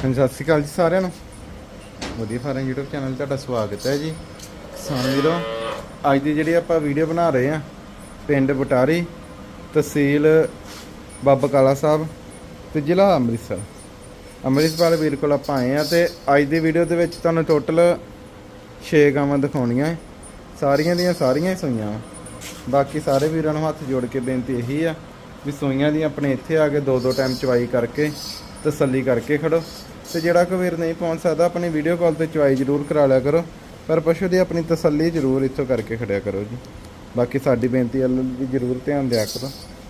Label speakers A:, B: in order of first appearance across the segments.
A: ਸਤਿ ਸ਼੍ਰੀ ਅਕਾਲ ਜੀ ਸਾਰਿਆਂ ਨੂੰ। ਵਧੀਆ ਫਾਰਮ YouTube ਚੈਨਲ ਤੁਹਾਡਾ ਸਵਾਗਤ ਹੈ ਜੀ। ਕਿਸਾਨ ਵੀਰੋ, ਅੱਜ ਦੀ ਜਿਹੜੀ ਆਪਾਂ ਵੀਡੀਓ ਬਣਾ ਰਹੇ ਆ ਪਿੰਡ ਬਟਾਰੀ, ਤਹਿਸੀਲ ਬਾਬਾ ਕਾਲਾ ਸਾਹਿਬ ਤੇ ਜ਼ਿਲ੍ਹਾ ਅੰਮ੍ਰਿਤਸਰ ਵੀਰ ਕੋਲ ਆਪਾਂ ਆਏ ਆ। ਤੇ ਅੱਜ ਦੀ ਵੀਡੀਓ ਦੇ ਵਿੱਚ ਤੁਹਾਨੂੰ ਟੋਟਲ 6 ਗਾਵਾਂ ਦਿਖਾਉਣੀਆਂ, ਸਾਰੀਆਂ ਦੀਆਂ ਸਾਰੀਆਂ ਹੀ ਸੂਈਆਂ। ਬਾਕੀ ਸਾਰੇ ਵੀਰਾਂ ਨੂੰ ਹੱਥ ਜੋੜ ਕੇ ਬੇਨਤੀ ਇਹੀ ਆ ਵੀ ਸੂਈਆਂ ਦੀ ਆਪਣੇ ਇੱਥੇ ਆ ਕੇ ਦੋ ਟਾਈਮ ਚਵਾਈ ਕਰਕੇ ਤਸੱਲੀ ਕਰਕੇ ਖੜੋ। ਤੇ ਜਿਹੜਾ ਕੋਈ ਵੀਰ ਨਹੀਂ ਪਹੁੰਚ ਸਕਦਾ ਆਪਣੀ ਵੀਡੀਓ ਕਾਲ ਤੇ ਚਵਾਈ ਜ਼ਰੂਰ ਕਰਾ ਲਿਆ ਕਰੋ, ਪਰ ਪਸ਼ੂ ਦੀ ਆਪਣੀ ਤਸੱਲੀ ਜ਼ਰੂਰ ਇੱਥੋਂ ਕਰਕੇ ਖੜਿਆ ਕਰੋ ਜੀ। ਬਾਕੀ ਸਾਡੀ ਬੇਨਤੀ ਵੱਲ ਵੀ ਜ਼ਰੂਰ ਧਿਆਨ ਦਿਆ ਕਰੋ।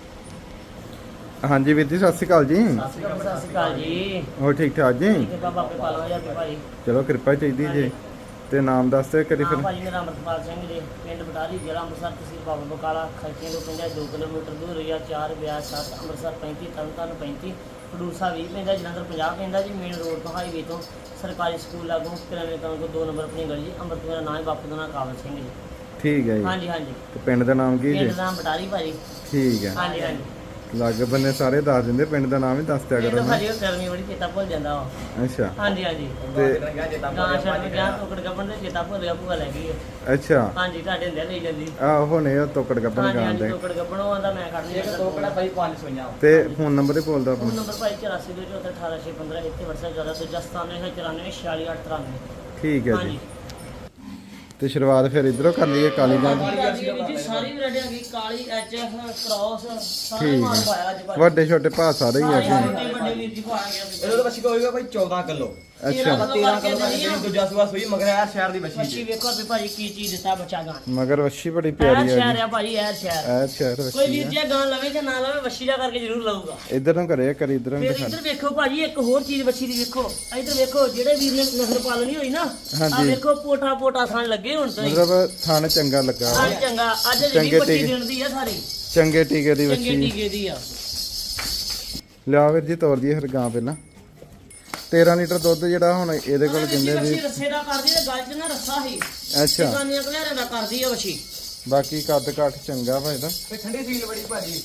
A: ਹਾਂਜੀ ਵੀਰ ਜੀ, ਸਤਿ ਸ਼੍ਰੀ ਅਕਾਲ ਜੀ।
B: ਸਤਿ ਸ਼੍ਰੀ ਅਕਾਲ ਜੀ।
A: ਹੋਰ ਠੀਕ ਠਾਕ ਜੀ? ਚਲੋ ਕਿਰਪਾ ਚਾਹੀਦੀ ਜੀ। ਤੇ ਨਾਮ ਦੱਸ ਦਿਓ ਕਰੀ ਫਿਰ।
B: ਭਾਜੀ ਮੇਰਾ ਅਮਰਪਾਲ ਸਿੰਘ ਜੀ, ਪਿੰਡ ਬਟਾਰੀ, ਜ਼ਿਲ੍ਹਾ ਅੰਮ੍ਰਿਤਸਰ, ਤਹਿਸੀਲ ਬਾਬਾ ਬਕਾਲਾ। ਖਰਚੇ ਤੋਂ ਪੈਂਦਾ 2 ਕਿਲੋਮੀਟਰ ਦੂਰ, ਰਿਆ 4 ਬਿਆਸ 7 ਅੰਮ੍ਰਿਤਸਰ 35 ਤਰਨਤਾਰਨ 35 ਖਡੂਰਸਾ 20 ਪੈਂਦਾ, ਜਲੰਧਰ 50 ਪੈਂਦਾ ਜੀ। ਮੇਨ ਰੋਡ ਤੋਂ ਹਾਈਵੇ ਤੋਂ ਸਰਕਾਰੀ ਸਕੂਲ ਲਾਗੋਂ ਕਿਰਾਣੇ ਤੋਂ 2 ਨੰਬਰ ਆਪਣੀ ਗਲੀ ਜੀ। ਅੰਮ੍ਰਿਤ ਮੇਰਾ ਨਾਮ ਹੈ, ਬਾਪੂ ਦਾ ਨਾਮ ਕਾਬਲ ਸਿੰਘ ਜੀ।
A: ਠੀਕ ਹੈ ਜੀ।
B: ਹਾਂਜੀ ਹਾਂਜੀ।
A: ਤੇ ਪਿੰਡ ਦਾ ਨਾਮ ਕੀ ਜੀ?
B: ਪਿੰਡ ਦਾ ਨਾਮ ਬਟਾਰੀ ਭਾਜੀ।
A: ਠੀਕ ਹੈ।
B: ਹਾਂਜੀ ਹਾਂਜੀ।
A: ਲਾਗੇ ਬੰਨੇ ਸਾਰੇ ਦੱਸ ਦਿੰਦੇ, ਪਿੰਡ ਦਾ ਨਾਮ ਹੀ ਦੱਸ ਦਿਆ ਕਰੋ।
B: ਭਾਜੀ ਉਹ ਗਰਮੀ ਬੜੀ ਚੇਤਾ ਭੁੱਲ ਜਾਂਦਾ ਵਾ।
A: ਅੱਛਾ।
B: ਹਾਂਜੀ ਹਾਂਜੀ।
A: ਤੇ
B: ਗਾਂ ਛੱਡ ਗਿਆ ਟੋਕੜ ਗੱਬਣ ਦੇ ਚੇਤਾ ਭੁੱਲ ਗਿਆ, ਭੂਆ ਲੈ ਗਈ ਹੈ।
A: ਅੱਛਾ।
B: ਹਾਂਜੀ, ਤੁਹਾਡੇ ਹੁੰਦੇ ਲਈ ਜਾਂਦੀ।
A: ਆਹੋ ਨੇ ਉਹ ਤੋਕੜ ਗੱਬਨ
B: ਹਾਂਜੀ
A: ਗਾਂ
B: ਹਾਂਜੀ,
A: ਦੇ।
B: ਟੋਕੜ ਗੱਬਣੋਂ ਆਂਦਾ ਮੈਂ ਖੜਨੀ ਹੈ। ਟੋਕੜਾ ਭਾਈ 5 ਸੋਈਆਂ।
A: ਤੇ ਫੋਨ ਨੰਬਰ ਹੀ ਬੋਲਦਾ
B: ਫੋਨ
A: ਆਪਣਾ।
B: ਨੰਬਰ ਭਾਈ 8424188615, ਇੱਥੇ WhatsApp ਜ਼ਿਆਦਾ ਦੂਜਾ 9794466893।
A: ਠੀਕ ਹੈ
B: ਹਾਂਜੀ।
A: ਜੀ। ਤੇ ਸ਼ੁਰੂਆਤ ਫਿਰ ਇਧਰੋਂ ਕਰ ਲਈਏ ਕਾਲੀ ਗਾਂ ਦੀ।
B: ਜੀ ਸਾਰੀ ਵੈਰਾਈਟੀ ਆ ਗਈ, ਕਾਲੀ ਐਚਐਫ ਕ੍ਰਾਸ ਸਾਰੇ
A: ਠੀਕ
B: ਮਾਲ
A: ਹੈ।
B: ਪਾਇਆ ਅੱਜ ਭਾਈ।
A: ਵੱਡੇ ਛੋਟੇ ਭਾ ਸਾਰੇ ਹੀ ਆ ਜੀ।
B: ਵੱਡੇ ਵੀਰ ਜੀ ਪਾਇਆ ਗਿਆ।
C: ਇਹਦੇ ਤੋਂ ਬੱਚੀ ਹੋਏਗਾ ਭਾਈ 14 ਕਿਲੋ।
A: ਅੱਛਾ।
C: 13 ਕਿਲੋ ਦਾ ਜਿਹੜੀ ਦੂਜਾ ਸੂਆ ਸੂਈ ਮਗਰ ਯਾਰ ਸ਼ਹਿਰ ਦੀ ਬੱਚੀ
B: ਬੱਚੀ ਵੇਖੋ ਵੀ ਭਾਜੀ ਕੀ ਚੀਜ਼ ਦਿੱਤਾ ਬੱਚਾ ਗਾਂ।
A: ਮਗਰ ਵੱਛੀ ਬੜੀ ਪਿਆਰੀ
B: ਸ਼ਹਿਰ
A: ਹੈ ਜੀ।
B: ਆ ਭਾਜੀ, ਐਰ ਸ਼ਹਿਰ।
A: ਐ ਸ਼ਹਿਰ
B: ਕੋਈ
A: ਵੱਛੀ
B: ਵੀਰ
A: ਹੈ।
B: ਜੀ ਗਾਂ ਲਵੇ ਜਾਂ ਨਾ ਲਵੇ, ਵੱਛੀ ਦਾ ਕਰਕੇ ਜ਼ਰੂਰ ਲਊਗਾ।
A: ਇਧਰ ਨੂੰ ਕਰੇ ਕਰੀ ਇਧਰ ਨੂੰ
B: ਫਿਰ
A: ਦਿਖਾ।
B: ਇੱਧਰ ਵੇਖੋ ਭਾਜੀ, ਇੱਕ ਹੋਰ ਚੀਜ਼ ਬੱਚੀ ਦੀ ਵੇਖੋ। ਇੱਧਰ ਵੇਖੋ, ਜਿਹੜੇ ਵੀਰ ਨੇ ਨਸਲ ਪਾਲਣੀ ਹੋਈ ਨਾ, ਆ
A: ਹਾਂਜੀ।
B: ਵੇਖੋ ਪੋਟਾ ਥਣ ਲੱਗੇ ਹੁਣ ਤਾਂ ਹੀ।
A: ਮਤਲਬ ਥਣ ਚੰਗਾ ਲੱਗਾ ਵਾ।
B: ਅੱਜ ਚੰਗਾ, ਅੱਜ
A: ਚੰਗੇ
B: ਜਿਹੜੀ ਬੱਚੀ
A: ਟੀਕੇ।
B: ਦੇਣ ਦੀ ਆ ਸਾਰੀ
A: ਚੰਗੇ ਟੀਕੇ ਦੀ
B: ਚੰਗੇ
A: ਵੱਛੀ
B: ਟੀਕੇ ਦੀ ਆ।
A: ਲਿਆ ਵੀਰ ਜੀ, ਤੋਰ ਦਈਏ ਫਿਰ ਗਾਂ ਪਹਿਲਾਂ। 13 ਲੀਟਰ ਦੁੱਧ ਜਿਹੜਾ ਹੁਣ ਇਹਦੇ ਕੋਲ ਕਹਿੰਦੇ
B: ਬੱਚੀ
A: ਜੀ।
B: ਰੱਸੇ ਦਾ ਕਰਦੀ ਤੇ ਗੱਲ 'ਚ ਨਾ ਰੱਸਾ ਸੀ।
A: ਅੱਛਾ।
B: ਕਾਨੀਆਂ ਕਲਿਆਰਾਂ ਦਾ ਕਰਦੀ ਆ ਬੱਚੀ।
A: ਬਾਕੀ ਕੱਦ ਕਾਠ ਚੰਗਾ ਵਾ ਇਹਦਾ।
C: ਤੇ ਠੰਡੀ ਸੀਲ ਬੜੀ ਭਾਜੀ।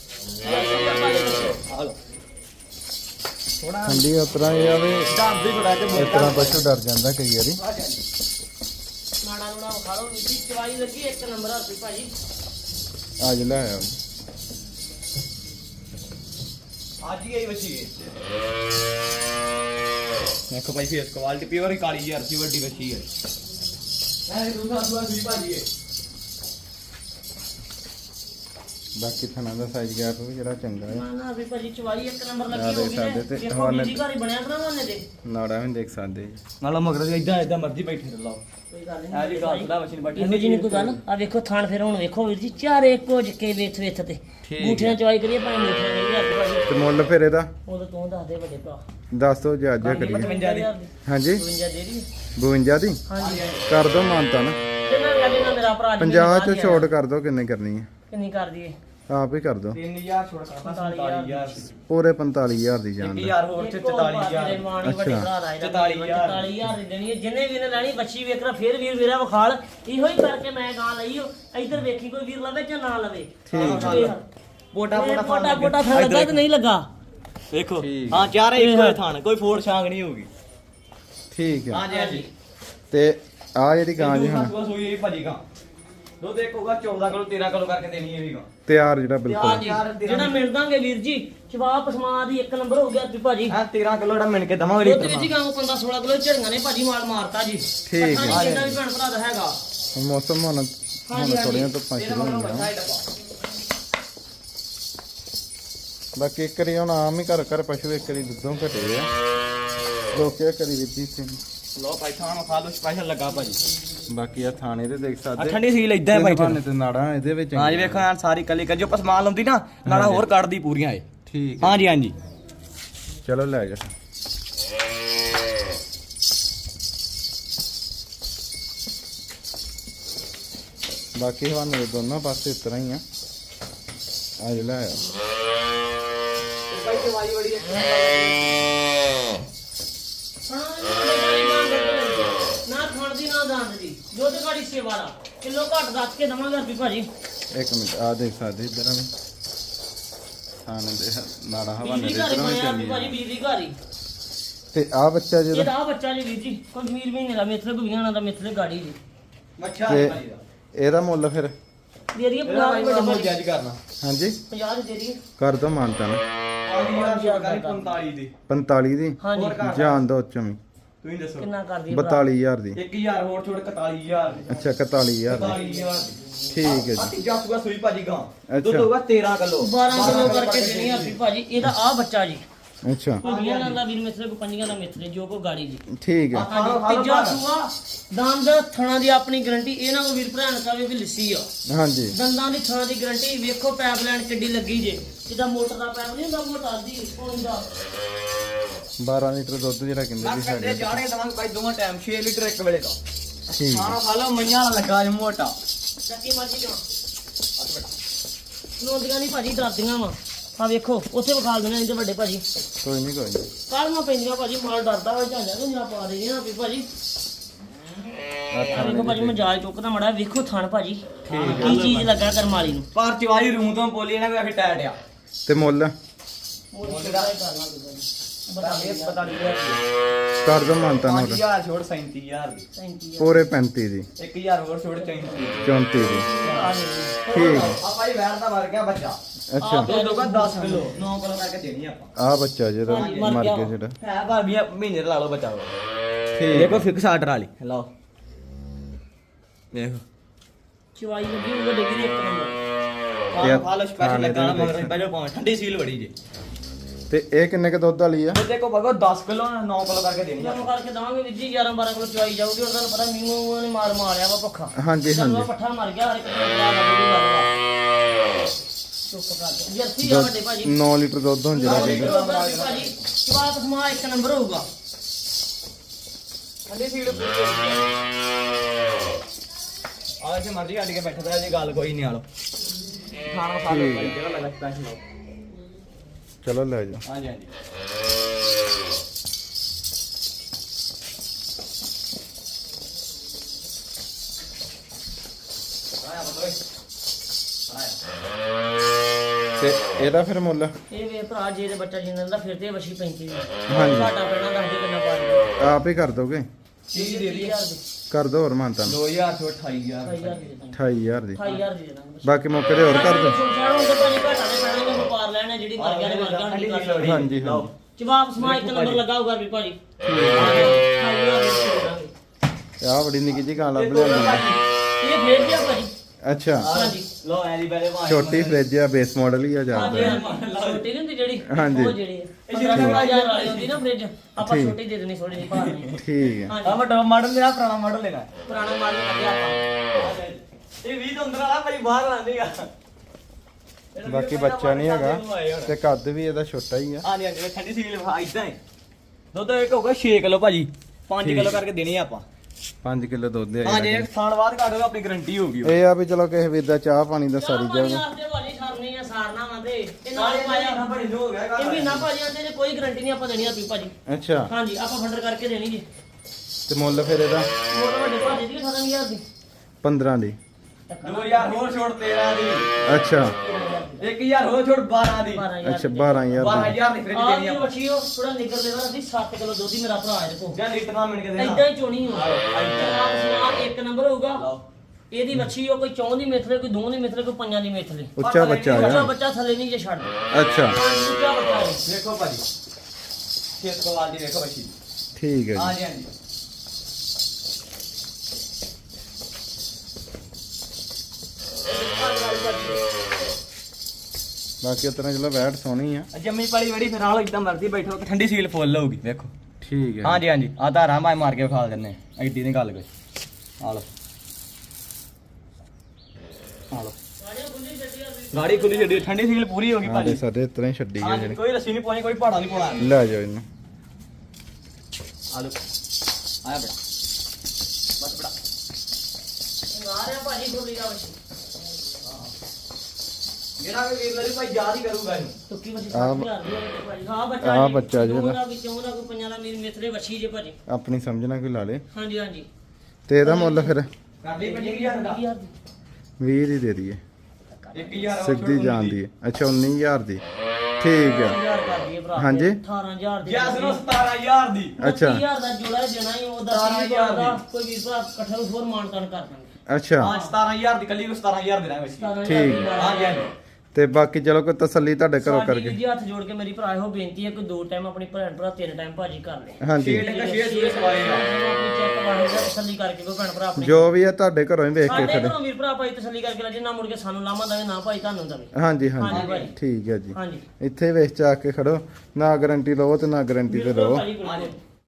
C: ਥੋੜਾ
A: ਠੰਡੀ ਉਤਰਾ ਇਹ ਆਵੇ
C: ਦੰਦ ਵੀ ਬੜਾ ਤੇ
A: ਇਸ ਤਰ੍ਹਾਂ ਪਸ਼ੂ ਡਰ ਜਾਂਦਾ ਕਈ ਵਾਰੀ।
B: ਨਾੜਾ ਨੂੜਾ ਵਿਖਾ ਲਓ ਵੀਰ ਜੀ, ਚਵਾਈ ਲੱਗੀ 1 ਨੰਬਰ ਆ ਭਾਜੀ।
A: ਅੱਜ ਲੈ ਆਇਆ।
C: ਅੱਜ ਹੀ ਆਈ ਬੱਚੀ। ਦੇਖੋ ਭਾਈ ਫੇਸ ਕੁਆਲਿਟੀ ਪਿਓਰ ਕਾਲੀ ਜਰਸੀ ਵੱਡੀ ਬੱਚੀ ਹੈ। ਇਹ ਦੂਸਰਾ ਸੂਆ ਸੂਈ ਭਾਜੀ ਹੈ।
A: ਬਾਕੀ ਥਣਾ ਦਾ ਸਾਈਜ਼ ਗੈਪ ਵੀ ਜਿਹੜਾ ਚੰਗਾ ਹੈ।
B: ਨਾ ਵੀ ਭਾਜੀ ਚਵਾਈ 1 ਨੰਬਰ
A: ਆਹ
B: ਲੱਗੀ
A: ਦੇਖ
B: ਹੋਗੀ
A: ਸਕਦੇ
B: ਨੇ।
A: ਤੇ
B: ਦੇਖੋ
A: ਹਵਾਨੇ-
B: ਬੀਜੀ ਘਰ ਹੀ ਬਣਿਆ ਕਰਾਵਾਂਗੇ ਦੇ।
A: ਨਾੜਾ ਵੀ ਦੇਖ ਸਕਦੇ ਜੀ।
C: ਨਾਲਾ ਮਗਰ ਦੀ ਇਦਾਂ ਮਰਜ਼ੀ ਬੈਠੇ ਲਾਓ।
B: ਕੋਈ ਗੱਲ
C: ਆ ਜੀ ਗੱਲ ਦਾ ਮਸ਼ੀਨ ਬੱਟੀ
B: ਇਹੋ ਜੀ ਨਹੀਂ ਕੋਈ ਗੱਲ। ਆ ਵੇਖੋ ਥਾਣ ਫਿਰ ਹੁਣ ਵੇਖੋ ਵੀਰ ਜੀ, ਚਾਰੇ ਇੱਕੋ ਜਿੱਕੇ ਵੇਥ ਤੇ ਗੂਠਿਆਂ ਚਵਾਈ ਕਰੀਏ ਭਾਵੇਂ ਮੂਠਿਆਂ ਕਰੀਏ ਅੱਜ ਭਾਜੀ।
A: ਤੇ ਮੁੱਲ ਫਿਰ ਇਹਦਾ
B: ਉਦੋਂ ਤੂੰ ਦੱਸ ਦੇ ਵੱਡੇ ਭਰਾ।
A: ਦੱਸ ਦੋ ਜੇ ਅੱਜ ਕਰੀਏ।
C: 55 ਦੀ।
A: ਹਾਂਜੀ
B: 52 ਦੇ ਦੀ।
A: 52 ਦੀ
B: ਹਾਂਜੀ
A: ਕਰ ਦੋ ਮਾਨਤਾ ਨਾ।
B: ਤੇ ਮੈਂ ਕਹਿੰਦਾ ਨਾ ਮੇਰਾ ਭਰਾ ਜੀ
A: 50 ਚੋਂ ਛੋਟ ਕਰ ਦੋ। ਕਿੰਨੇ ਕਰਨੀ ਹੈ?
B: ਕਿੰਨੀ ਕਰ ਦਈਏ?
A: ਆਪ ਹੀ ਕਰ ਦੋ।
C: 3000 ਛੋੜ ਕਰਦਾ 47000।
A: ਪੂਰੇ 45000 ਦੀ ਜਾਨ ਦਾ।
C: 1000 ਹੋਰ ਤੇ 44000।
B: ਮਾਣੀ ਵੱਡੇ
A: ਅੱਛਾ।
B: ਭਰਾ ਦਾ
C: 44,000
B: 44,000 ਦੀ ਦੇਣੀ ਹੈ। ਜਿੰਨੇ ਵੀਰ ਨੇ ਲੈਣੀ ਬੱਚੀ ਵੇਖਣਾ ਫਿਰ ਵੀਰ ਮੇਰਾ ਵਿਖਾਲ। ਇਹੋ ਹੀ ਕਰਕੇ ਮੈਂ ਗਾਂ ਲਈ ਓ। ਇੱਧਰ ਵੇਖੀ ਕੋਈ ਵੀਰ ਲਵੇ ਜਾਂ ਨਾ ਲਵੇ।
C: ਪੋਟਾ
B: ਪੋਟਾ ਥਾਂ ਲੱਗਾ ਕਿ ਨਹੀਂ ਲੱਗਾ?
C: ਵੇਖੋ
A: ਠੀਕ
C: ਹਾਂ ਚਾਰੇ ਇੱਕੋ ਥਾਣ, ਕੋਈ ਫੋੜ ਛਾਂਗ ਨਹੀਂ ਹੋਊਗੀ।
A: ਠੀਕ ਹੈ।
C: ਹਾਂਜੀ ਹਾਂਜੀ।
A: ਤੇ ਆ ਜਿਹੜੀ ਗਾਂ ਜੀ ਹੁਣ
C: ਦੂਸਰਾ ਸੂਈ ਇਹ ਭਾਜੀ ਗਾਂ ਦੁੱਧ ਇੱਕ ਹੋਊਗਾ 14 ਕਿਲੋ 13 ਕਿਲੋ ਕਰਕੇ ਦੇਣੀ ਹੈ ਵੀ ਗਾਂ।
A: ਤਿਆਰ ਜਿਹੜਾ ਬਿਲਕੁਲ।
B: ਹਾਂਜੀ, ਜਿਹੜਾ ਮਿਲ ਦਾਂਗੇ ਵੀਰ ਜੀ ਜਵਾਬ ਪਸਮਾ ਦੀ 1 ਨੰਬਰ ਹੋ ਗਿਆ ਵੀ ਭਾਜੀ।
C: ਹਾਂ 13 ਕਿਲੋ ਜਿਹੜਾ ਮਿਣ ਕੇ ਦਵਾਂਗੇ
B: ਦੁੱਧ ਵਿੱਚ ਹੀ ਗਾਂ 15-16 ਕਿਲੋ ਝੜੀਆਂ ਨੇ ਭਾਜੀ, ਮਾਲ ਮਾਰਤਾ ਜੀ।
A: ਠੀਕ
B: ਪੱਠਾ ਨਹੀਂ ਜਿੰਨਾ ਵੀ ਭੈਣ ਭਰਾ ਦਾ ਹੈਗਾ।
A: ਮੌਸਮ ਹੁਣ
B: ਹਾਂਜੀ,
A: ਥੋੜੀਆਂ ਧੁੱਪਾਂ ਸ਼ੁਰੂ ਹੋਈਆਂ। ਬਾਕੀ ਇੱਕ ਵਾਰੀ ਹੁਣ ਆਮ ਹੀ ਘਰ ਪਸ਼ੂ ਇੱਕ ਵਾਰੀ ਦੁੱਧੋਂ ਘਟੇ ਆ। ਲੋਕੇ ਕਰੀ ਦਿੱਤੀ ਸੀ।
C: ਲੋ ਭਾਈ ਥਾਣ ਖਾ ਲੋ ਸਪੈਸ਼ਲ ਲੱਗਾ ਭਾਜੀ।
A: ਬਾਕੀ ਆ ਥਾਣੇ ਤੇ ਦੇਖ ਸਕਦੇ।
C: ਠੰਡੀ ਸੀਲ ਇਦਾਂ ਹੈ ਭਾਈ
A: ਥਾਣੇ ਤੇ ਨਾੜਾਂ ਇਹਦੇ ਵਿੱਚ।
C: ਹਾਂਜੀ ਵੇਖੋ ਯਾਰ ਸਾਰੀ ਕਲੀ ਜੋ ਪਸਮਾਨ ਲਾਉਂਦੀ ਨਾ ਨਾਲਾ ਹੋਰ ਕੱਢਦੀ ਪੂਰੀਆਂ ਇਹ।
A: ਠੀਕ ਹੈ।
C: ਹਾਂਜੀ ਹਾਂਜੀ।
A: ਚਲੋ ਲੈ ਜਾ। ਬਾਕੀ ਹਵਾਨੇ ਦੋਨੋਂ ਪਾਸੇ ਇਸ ਤਰ੍ਹਾਂ ਹੀ ਆ। ਅੱਜ ਲੈ ਆਇਆ।
C: ਭਾਈ ਦਵਾਈ ਬੜੀ ਹੈ।
B: ਨਾ ਖਾਣ ਦੀ ਨਾ ਦਾਨ ਦੀ ਦੁੱਧ ਘਾੜੀ ਸੇਵਾ ਦਾ ਕਿਲੋ ਘੱਟ ਦੱਸ ਕੇ ਦਵਾਂਗੇ ਵੀ ਭਾਜੀ।
A: ਇੱਕ ਮਿੰਟ ਆ ਦੇਖ ਸਕਦੇ ਇੱਧਰ ਆ ਥਾਣੇ ਦੇ ਨਾੜਾ ਹਵਾਨੇ
B: ਬਿਜਲੀ
A: ਦੇ
B: ਘਰ ਹੀ
A: ਤਰ੍ਹਾਂ
B: ਬਣਿਆ
A: ਚੱਲੀ
B: ਵੀ ਭਾਜੀ, ਬਿਜਲੀ ਘਰ ਹੀ।
A: ਤੇ ਆ ਬੱਚਾ
B: ਇਹ
A: ਜਿਹਦਾ
B: ਤਾਂ ਆ ਬੱਚਾ ਜੀ ਵੀਰ ਜੀ ਕੋਈ ਮੀਲ ਮਹੀਨੇ ਦਾ ਮਿੱਥਲੇ ਕੋ 20 ਦਾ ਮਿੱਥਲੇ ਗਾੜੀ ਜੀ
C: ਮੱਛਾ
A: ਤੇ
C: ਭਾਜੀ ਦਾ
A: ਇਹਦਾ ਮੁੱਲ ਫਿਰ
B: ਦੇ ਦਈਏ
C: ਇਹਦਾ
B: 50
C: ਭਾਈ
B: ਵੱਡੇ
C: ਮੁੱਲ
B: ਭਾਜੀ
C: ਜੱਜ ਕਰਨਾ
A: ਹਾਂਜੀ
B: 50 ਦੇ ਦਈਏ
A: ਕਰ ਦੋ ਮਾਨਤਾ ਨਾ
C: 45 ਦੀ
A: 45 ਦੀ
B: ਹਾਂਜੀ
C: ਹੋਰ ਘਰ।
A: ਜਾਨ ਦੋ ਚਮੀ
C: ਤੁਸੀਂ ਦੱਸੋ
B: ਕਿੰਨਾ ਕਰ ਦਈਏ
A: 42000 ਦੀ
C: 1000 ਹੋਰ ਛੋੜ 41000 ਦੀ
A: ਅੱਛਾ 41000 ਦੀ
C: 41000 ਦੀ
A: ਠੀਕ ਹੈ ਜੀ
C: ਆਤੀ ਜਾਸੂਗਾ ਸੂਈ ਭਾਜੀ ਗਾਂ
A: ਅੱਛਾ।
C: ਦੁੱਧ ਹੋਊਗਾ 13 ਕਿਲੋ
B: 12 ਕਿਲੋ ਕਰਕੇ ਦੇਣੀ ਆ ਵੀ ਭਾਜੀ ਇਹਦਾ ਆ ਬੱਚਾ ਜੀ
A: ਅੱਛਾ
B: ਕੋਈ 20 ਦਾ ਵੀਰ ਮਿੱਥਲੇ ਕੋ 5 ਦਾ ਮਿੱਥਲੇ ਜੋ ਕੋ ਗਾੜੀ ਜੀ
A: ਠੀਕ ਹੈ
B: ਹਾਂਜੀ ਤੀਜਾ ਸੂਆ ਦੰਦ ਥਣਾ ਦੀ ਆਪਣੀ ਗਰੰਟੀ ਇਹਨਾਂ ਕੋ ਵੀਰ ਭਰਾ ਨੇ ਕਹੇ ਵੀ ਲਿੱਸੀ ਆ
A: ਹਾਂਜੀ
B: ਦੰਦਾਂ ਦੀ ਥਣਾ ਦੀ ਗਰੰਟੀ ਵੇਖੋ ਪਾਈਪ ਲਾਈਨ ਕਿੱਡੀ ਲੱਗੀ ਜੇ ਜਿੱਦਾਂ ਮੋਟਰ ਦਾ ਪਾਈਪ ਨਹੀਂ ਹੁੰਦਾ ਮੋਟਰ ਦੀ ਉਹਦਾ
A: 12 ਲੀਟਰ ਦੁੱਧ ਜਿਹੜਾ ਕਿੰਨੇ
C: ਲੱਗ
A: ਦੀ
C: ਕਰਦੇ
A: ਸਾਡੇ
C: ਜਾਣੇ ਦਵਾਂਗੇ ਭਾਈ ਦੋਵਾਂ ਟਾਈਮ 6 ਲੀਟਰ ਇੱਕ ਵੇਲੇ ਦਾ
A: ਠੀਕ ਹੈ
C: ਸਾਰਾ ਖਾ ਲਓ ਮਈਆਂ ਵਾਲਾ ਲੱਗਾ ਜੇ ਮੋਟਾ
B: ਚੱਕੀ ਮਰਜੀ ਜੋ ਨੋਂਦੀਆਂ ਨਹੀਂ ਭਾਜੀ ਡਰਦੀਆਂ ਵਾ ਆ ਵੇਖੋ ਉੱਥੇ ਵਿਖਾਲ ਦਿੰਦੇ ਇਹਦੇ ਵੱਡੇ ਭਾਜੀ
A: ਕੋਈ ਨਹੀਂ
B: ਕਾਲੀਆਂ ਪੈਂਦੀਆਂ ਭਾਜੀ ਮਾਲ ਡਰਦਾ ਵਾ ਝਾਂਜਾ ਨੂੰ ਨਾ ਪਾ ਦੇ ਨਾ ਵੀ ਭਾਜੀ ਆ ਵੇਖੋ ਭਾਜੀ ਮਜਾਜ ਚੁੱਕਦਾ ਮੜਾ ਵੇਖੋ ਥਣ ਭਾਜੀ ਕੀ ਚੀਜ਼ ਲੱਗਾ ਕਰਮਾਲੀ ਨੂੰ
C: ਪਰ ਚਵਾਈ ਰੂੰ ਤੋਂ ਬੋਲੀ ਇਹਨਾਂ ਵੀ ਆਖੇ ਟੈਟ ਆ
A: ਤੇ ਮੁੱਲ
B: ਪਤਾ ਨਹੀਂ
A: ਕਰ ਦੋ ਮਾਨਤਾ ਨਾ
C: 5000 ਛੋੜ 37000 ਦੀ
A: ਪੂਰੇ 35 ਦੀ
C: 1000 ਹੋਰ ਛੋੜ 34 ਦੀ
A: 34 ਦੀ ਠੀਕ ਹੈ
C: ਆ ਭਾਈ ਵੈਰ ਦਾ ਮਰ ਗਿਆ ਬੱਚਾ
A: ਅੱਛਾ
C: ਦੁੱਧ ਹੋਗਾ 10 ਕਿਲੋ 9 ਕਿਲੋ ਕਰਕੇ ਦੇਣੀ ਆਪਾਂ
A: ਆ ਬੱਚਾ ਜਿਹੜਾ
B: ਹਾਂਜੀ, ਮਰ
A: ਮਰ
B: ਗਿਆ
A: ਗਿਆ ਜਿਹੜਾ
C: ਹੈ ਭਾਵੇਂ ਮਹੀਨੇ ਦਾ ਲਾ ਲਓ ਬੱਚਾ
A: ਠੀਕ
C: ਦੇਖੋ ਫਿਕਸ ਆਰਡਰ ਵਾਲੀ ਲਓ ਦੇਖੋ
B: ਚਵਾਈ ਲੱਗੀ ਉਹ ਡਿੱਗੀ ਦੀ ਇੱਕ ਨੰਬਰ
C: ਖਾ ਲਓ ਸਪੈਸ਼ਲ ਲੱਗਾ ਨਾ ਮਗਰ ਪਹਿਲਾਂ ਪਾਉਂ ਠੰਡੀ ਸੀਲ ਬੜੀ ਜੇ
A: ਤੇ ਇਹ ਕਿੰਨੇ ਕ ਦੁੱਧ ਵਾਲੀ ਆ
C: ਉਹ ਦੇਖੋ ਭਗੋ 10 ਕਿਲੋ 9 ਕਿਲੋ ਕਰਕੇ ਦੇਣੀ
B: ਜਦੋਂ
C: ਆਪਾਂ
B: ਕਰਕੇ ਦਵਾਂਗੇ ਵੀਰ ਜੀ 11 12 ਕਿਲੋ ਚਵਾਈ ਜਾਊਗੀ ਹੁਣ ਤੁਹਾਨੂੰ ਪਤਾ ਮੀਂਹ ਨੇ ਮਾਰ ਮਾਰਿਆ ਵਾ ਭੁੱਖਾ
A: ਹਾਂਜੀ
B: ਜਦੋਂ
A: ਹਾਂਜੀ
B: ਪੱਠਾ ਮਰ ਗਿਆ ਹਰ ਇੱਕ ਨੂੰ ਲਾ ਲੱਗੂਗੀ ਚੁੱਪ ਕਰ ਜਾ ਜਰਸੀ ਆ ਵੱਡੇ ਭਾਜੀ
A: 9 ਲੀਟਰ ਦੁੱਧ ਹੁਣ ਜਿਹੜਾ
B: ਭਾਜੀ
A: ਸੀਗਾ।
B: ਚਵਾਪ ਸਮਾ ਇੱਕ ਨੰਬਰ ਹੋਊਗਾ
C: ਠੰਡੀ ਸੀਲ ਆ ਜੇ ਮਰਜੀ ਕੱਢ ਕੇ ਬੈਠਦਾ ਜੀ ਗੱਲ ਕੋਈ ਨਹੀਂ ਆਲੋ ਖਾਣਾ ਖਾ ਲਓ ਭਾਈ ਜਿਹੜਾ ਲੱਗਾ ਸਪੈਸ਼ਲ
A: ਚਲੋ ਲੈ ਜਾ
C: ਹਾਂਜੀ ਹਾਂਜੀ ਆਇਆ ਬਤੋਏ
A: ਤੇ ਇਹਦਾ ਫਿਰ ਮੁੱਲ
B: ਇਹ ਵੇ ਭਰਾ ਜੇ ਦੇ ਬੱਚਾ ਜਿੰਨਾਂ ਦਾ ਫਿਰ ਤੇ ਵਸ਼ੀ 35
A: ਹਾਂਜੀ।
B: ਘਾਟਾ ਪੈਣਾ ਦੱਸ ਦੇ ਕਿੰਨਾ ਪਾ ਦੇ
A: ਆਪ ਹੀ ਕਰ ਦੋਗੇ
C: ਕੀ ਦੇ ਦੀ
A: ਕਰ ਦੋ ਹੋਰ ਮਾਨਤਾ
C: 2000 ਤੋਂ 28000
A: 28000 ਦੀ
B: 28000 ਦੇ ਦਾਂਗੇ
A: ਬਾਕੀ ਮੌਕੇ ਤੇ ਹੋਰ ਕਰ ਦੋ
B: ਸ਼ਹਿਰੋਂ ਤੇ ਭਾਜੀ ਘਾਟਾ ਦੇ ਪੈਣਾ ਨੂੰ ਵਪਾਰ ਲੈਣਾ ਜਿਹੜੀ ਮਰ ਗਿਆ ਨੇ ਮਰ ਗਿਆ ਨਹੀਂ ਕਰ ਸਕਦੇ
A: ਹਾਂਜੀ ਹਾਂਜੀ
B: ਜਵਾਬ ਸਮਾ ਇੱਕ ਨੰਬਰ ਲੱਗਾ ਹੋਊਗਾ ਵੀ ਭਾਜੀ
A: ਆ ਬੜੀ ਨਿੱਕੀ ਜੀ ਕਾਂ ਲੱਭ ਲਿਆ
B: ਇਹ ਫੇਰ ਗਿਆ ਭਾਜੀ
A: ਅੱਛਾ
B: ਹਾਂਜੀ
C: ਲੋ ਐਲੀ ਬੈਲੇ ਭਾਈ
A: ਛੋਟੀ ਫ੍ਰਿਜ ਆ ਬੇਸ ਮਾਡਲ ਹੀ ਆ
B: ਹਾਂਜੀ
A: ਜ਼ਿਆਦਾ
B: ਛੋਟੀ ਨਹੀਂ ਹੁੰਦੀ ਜਿਹੜੀ
A: ਹਾਂਜੀ।
B: ਉਹ ਜਿਹੜੀ 15,000 ਵਾਲੀ ਹੁੰਦੀ ਨਾ ਫ੍ਰਿਜ ਆਪਾਂ
A: ਠੀਕ।
B: ਛੋਟੀ ਦੇ ਦੇਣੀ ਥੋੜੀ ਜਿਹੀ ਭਾਰ ਨਹੀਂ
A: ਠੀਕ ਹੈ
B: ਹਾਂਜੀ
C: ਆ ਵੱਡਾ ਮਾਡਲ ਲੈਣਾ ਪੁਰਾਣਾ ਮਾਡਲ ਲੈਣਾ
B: ਪੁਰਾਣਾ ਮਾਲ ਕੱਢਿਆ ਆਪਾਂ
C: ਇਹ 20 ਤੋਂ ਅੰਦਰ ਵਾਲਾ ਭਾਈ ਬਾਹਰ ਲਾਂਦੇਗਾ
A: ਬਾਕੀ ਬੱਚਾ ਨਹੀਂ ਹੈਗਾ ਤੇ ਕੱਦ ਵੀ ਇਹਦਾ ਛੋਟਾ ਹੀ ਆ
C: ਹਾਂਜੀ ਹਾਂਜੀ ਠੰਡੀ ਸੀਲ ਇਦਾਂ ਹੀ ਦੁੱਧ ਇੱਕ ਹੋਊਗਾ 6 ਕਿਲੋ ਭਾਜੀ 5 ਕਿਲੋ ਕਰਕੇ ਦੇਣੀ ਆ ਆਪਾਂ
A: 5 ਕਿਲੋ ਦੁੱਧ ਹੈ
C: ਹਾਂਜੀ
A: ਇਹਦਾ।
C: ਇੱਕ ਖਾਣ ਬਾਅਦ ਕੱਢ ਦੋ ਆਪਣੀ ਗਾਰੰਟੀ ਹੋਊਗੀ
A: ਇਹ ਆ ਵੀ ਚਲੋ ਕਿਸੇ ਵੀਰ ਦਾ ਚਾਹ ਪਾਣੀ ਦਾ ਸਾਰੀ ਜਾਵੇ
B: ਜਾਵੇ ਭਾਜੀ ਸਰਨੀ ਆ ਸਾਰਨਾ ਵਾ ਤੇ ਇਹ ਨਾਲ ਪਾਇਆ
C: ਬੜੀ ਹੋ ਗਿਆ
B: ਇਹ ਮਹੀਨਾ ਭਾਜੀ ਆਂਦੇ ਨੇ ਕੋਈ ਗਾਰੰਟੀ ਨਹੀਂ ਆਪਾਂ ਦੇਣੀ ਆਪੀ ਭਾਜੀ
A: ਅੱਛਾ
B: ਹਾਂਜੀ ਆਪਾਂ ਫੰਡਰ ਕਰਕੇ ਦੇਣੀ ਜੀ
A: ਤੇ ਮੁੱਲ ਫਿਰ ਇਹਦਾ
B: ਮੋਟਰ ਵੱਡੇ ਭਾਜੀ ਦੀ 18000 ਦੀ
A: 15 ਦੀ
C: 2000 ਹੋਰ ਛੋੜ 13 ਦੀ
A: ਅੱਛਾ
C: 1000 ਹੋਰ ਛੋੜ 12 ਦੀ
B: 12000
A: ਅੱਛਾ 12000 ਦੀ
C: 12000 ਦੀ ਫ੍ਰਿਜ
B: ਆ
C: ਦੇਣੀ
B: ਜੀ
C: ਆਪਾਂ
B: ਵਛੀਓ ਥੋੜਾ ਨਿਕਲ ਦੇਵਾ ਅਸੀਂ 7 ਕਿਲੋ ਦੁੱਧ ਹੀ ਮੇਰਾ ਭਰਾ ਇਹਦੇ ਕੋਲ
C: ਜਾਂ ਲੀਟਰ ਨਾਲ ਮਿਣ ਕੇ ਦੇਣਾ
B: ਇਦਾਂ ਹੀ ਚੋਣੀ ਹੋ
C: ਏਦਾਂ।
B: ਇੱਕ ਨੰਬਰ ਹੋਊਗਾ
C: ਲਓ
B: ਇਹਦੀ ਵੱਛੀ ਉਹ ਕੋਈ ਚੌਂ ਦੀ ਮਿੱਥਲੇ ਕੋਈ ਦੋ ਦੀ ਮਿੱਥਲੇ ਕੋਈ ਪੰਜਾਂ ਦੀ ਮਿੱਥਲੇ
A: ਉੱਚਾ ਬੱਚਾ
B: ਬੱਚਾ
A: ਆ
B: ਬੱਚਾ ਥੱਲੇ ਨਹੀਂ ਜੇ ਛੱਡ
A: ਅੱਛਾ
B: ਉੱਚਾ ਬੱਚਾ ਹੈ
C: ਦੇਖੋ ਭਾਜੀ ਖੇਤ ਕੋਲ ਦੀ ਦੇਖੋ ਬੱਚੀ
A: ਠੀਕ ਹੈ ਜੀ
C: ਹਾਂਜੀ ਹਾਂਜੀ
A: ਬਾਕੀ ਉਤਨਾ ਚਲੋ ਵੈਟ ਸੋਹਣੀ ਆ
C: ਜੰਮੀ ਪਾਲੀ ਵੜੀ ਫਿਰ ਹਾਲ ਇਦਾਂ ਮਰਦੀ ਬੈਠੋ ਕਿ ਠੰਡੀ ਸੀਲ ਫੁੱਲ ਹੋਊਗੀ ਵੇਖੋ
A: ਠੀਕ ਹੈ
C: ਹਾਂਜੀ ਹਾਂਜੀ ਆ ਧਾਰਾਂ ਮਾਰ ਕੇ ਵਿਖਾ ਦਿੰਨੇ ਐਡੀ ਦੀ ਗੱਲ ਕੋਈ ਆ ਲਓ ਆ ਲਓ ਗਾੜੀ ਖੁੱਲੀ ਛੱਡੀ ਠੰਡੀ ਸੀਲ ਪੂਰੀ ਹੋ ਗਈ
A: ਹਾਂ
C: ਭਾਜੀ
A: ਸਾਡੇ ਇਤਨਾ ਹੀ ਛੱਡੀ ਆ
C: ਹਾਂਜੀ
A: ਜਿਹੜੀ
C: ਕੋਈ ਰੱਸੀ ਨਹੀਂ ਪਾਉਣੀ ਕੋਈ ਪਹਾੜਾ ਨਹੀਂ ਪਾਉਣਾ
A: ਲੈ ਜਾਓ ਇਹਨੂੰ
C: ਆ ਲਓ ਆਇਆ ਬੜਾ ਬਸ ਬੜਾ
B: ਮਾਰਿਆ ਭਾਜੀ ਗੋਲੀ ਦਾ ਵੱਛੀ
C: ਜਿਹੜਾ ਵੀ ਵੀਰ ਲੜੀ ਭਾਈ ਯਾਦ ਹੀ ਕਰੂਗਾ ਇਹਨੂੰ
B: ਤੁੱਕੀ ਵੱਛੀ
A: ਆਹ
B: 7000 ਦੀ ਹੋਣੀ ਭਾਜੀ ਹਾਂ ਬੱਚਾ
A: ਆਹ
B: ਜੀ।
A: ਬੱਚਾ ਜੀ
B: ਚੌਂ
A: ਇਹਦਾ।
B: ਦਾ ਕੋਈ ਚੌਂ ਦਾ ਕੋਈ ਪੰਜਾਂ ਦਾ ਮੇਰੀ ਮਿੱਥਲੇ ਵੱਛੀ ਜੇ ਭਾਜੀ
A: ਆਪਣੀ ਸਮਝਣਾ ਕੋਈ ਲਾ ਲੇ
B: ਹਾਂਜੀ ਹਾਂਜੀ
A: ਤੇ ਇਹਦਾ ਮੁੱਲ ਫਿਰ
C: ਕਰਦੀ 25000 ਦਾ
B: 20000 ਦੀ
A: 20 ਦੀ ਦੇ ਦਈਏ
C: 1000
A: ਸਿੱਧੀ ਜਾਣ ਦੀ ਹੈ। ਅੱਛਾ 19000 ਦੀ ਠੀਕ ਹੈ
B: 18000 ਕਰ ਦਈਏ ਭਰਾ
A: ਹਾਂਜੀ।
B: 18000 ਦੀ
C: ਜੈਸ ਨੂੰ 17000 ਦੀ
A: ਅੱਛਾ।
B: 20000 ਦਾ ਜੋੜਾ ਦੇਣਾ ਹੀ ਉਹ
C: 17,000
B: ਦਾ ਕੋਈ ਵੀਰ ਭਰਾ ਇਕੱਠੇ ਨੂੰ ਹੋਰ ਮਾਨਤਾਨ ਕਰ ਦਾਂਗੇ।
A: ਅੱਛਾ
C: ਹਾਂ 17000 ਦੀ ਕੱਲੀ ਨੂੰ 17000 ਦੇਣਾ ਵਸ਼ੀ।
B: 17,000
A: ਠੀਕ।
B: ਦੀ
C: ਹਾਂਜੀ ਹਾਂਜੀ
A: ਤੇ ਬਾਕੀ ਚਲੋ ਕੋਈ ਤਸੱਲੀ ਤੁਹਾਡੇ ਘਰੋਂ
B: ਸਾਡੀ
A: ਕਰਕੇ
B: ਵੀਰ ਜੀ ਹੱਥ ਜੋੜ ਕੇ ਮੇਰੀ ਭਰਾ ਇਹੋ ਬੇਨਤੀ ਹੈ ਕਿ 2 ਟਾਈਮ ਆਪਣੀ ਭੈਣ ਭਰਾ 3 ਟਾਈਮ ਭਾਜੀ ਕਰ ਲੈ।
A: ਹਾਂਜੀ
C: ਛੇ ਟੰਗਾ ਛੇ ਸੂਏ ਸਵਾਏ ਆ।
B: ਚੈੱਕ ਵਾਲੇ ਦਾ ਤਸੱਲੀ ਕਰਕੇ ਕੋਈ ਭੈਣ ਭਰਾ ਆਪਣੀ
A: ਜੋ ਵੀ ਹੈ ਤੁਹਾਡੇ ਘਰੋਂ ਹੀ ਵੇਖ ਕੇ
B: ਸਾਡੇ
A: ਖੜੇ
B: ਘਰੋਂ ਵੀਰ ਭਰਾ ਭਾਈ ਤਸੱਲੀ ਕਰਕੇ ਲੈ ਜੇ ਨਾ ਮੁੜ ਕੇ ਸਾਨੂੰ ਲਾਮਾ ਦਵੇ ਨਾ ਭਾਈ ਤੁਹਾਨੂੰ ਦਵੇ।
A: ਹਾਂਜੀ
B: ਹਾਂਜੀ
A: ਹਾਂਜੀ
B: ਭਾਈ।
A: ਠੀਕ ਹੈ ਜੀ
B: ਹਾਂਜੀ
A: ਇੱਥੇ ਵੇਖ ਚਾ ਕੇ ਖੜੋ ਨਾ ਗਾਰੰਟੀ ਲਵੋ ਤੇ ਨਾ ਗਾਰੰਟੀ ਤੇ
B: ਬਿਲਕੁਲ
A: ਲਵੋ
B: ਭਾਜੀ, ਬਿਲਕੁਲ।